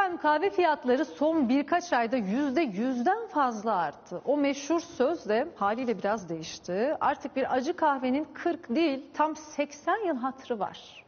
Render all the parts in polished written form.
Efendim kahve fiyatları son birkaç ayda %100'den fazla arttı. O meşhur söz de haliyle biraz değişti. Artık bir acı kahvenin 40 değil tam 80 yıl hatırı var.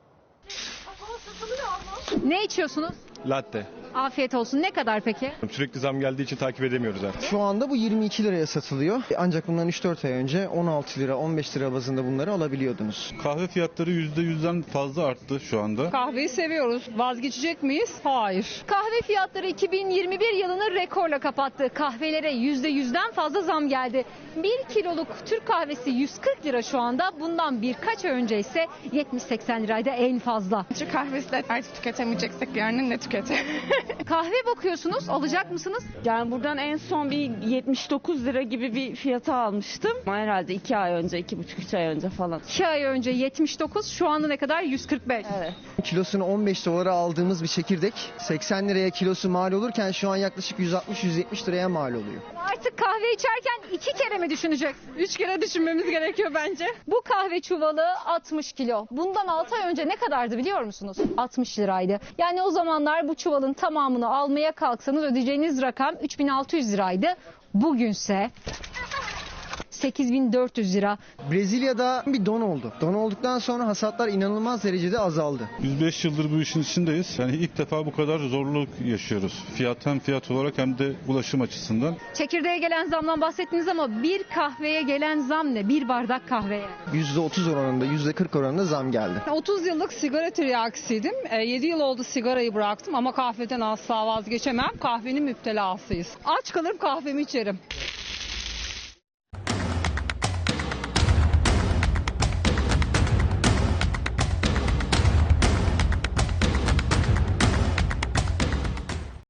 Ne içiyorsunuz? Latte. Afiyet olsun. Ne kadar peki? Sürekli zam geldiği için takip edemiyoruz artık. Şu anda bu 22 liraya satılıyor. Ancak bundan 3-4 ay önce 16 lira, 15 lira bazında bunları alabiliyordunuz. Kahve fiyatları %100'den fazla arttı şu anda. Kahveyi seviyoruz. Vazgeçecek miyiz? Hayır. Kahve fiyatları 2021 yılını rekorla kapattı. Kahvelere %100'den fazla zam geldi. 1 kiloluk Türk kahvesi 140 lira şu anda. Bundan birkaç ay önce ise 70-80 liraydı en fazla. Türk kahvesi de artık tüketemeyeceksek yarın ne tüketelim? Kahve bakıyorsunuz, alacak mısınız? Yani buradan en son bir 79 lira gibi bir fiyata almıştım. Herhalde 2 ay önce, 2,5-3 ay önce falan. 2 ay önce 79, şu anda ne kadar? 145. Evet. Kilosunu 15 dolara aldığımız bir çekirdek 80 liraya kilosu mal olurken şu an yaklaşık 160-170 liraya mal oluyor. Artık kahve içerken 2 kere mi düşüneceksin? 3 kere düşünmemiz gerekiyor bence. Bu kahve çuvalı 60 kilo. Bundan 6 ay önce ne kadardı biliyor musunuz? 60 liraydı. Yani o zamanlar bu çuvalın tamamını almaya kalksanız ödeyeceğiniz rakam 3600 liraydı. Bugünse 8400 lira. Brezilya'da bir don oldu. Don olduktan sonra hasatlar inanılmaz derecede azaldı. 105 yıldır bu işin içindeyiz. Yani ilk defa bu kadar zorluk yaşıyoruz. Hem fiyat olarak hem de ulaşım açısından. Çekirdeğe gelen zamdan bahsettiniz ama bir kahveye gelen zam ne? Bir bardak kahveye. %30 oranında, %40 oranında zam geldi. 30 yıllık sigara tiryakisiydim. 7 yıl oldu sigarayı bıraktım ama kahveden asla vazgeçemem. Kahvenin müptelasıyız. Aç kalırım kahvemi içerim.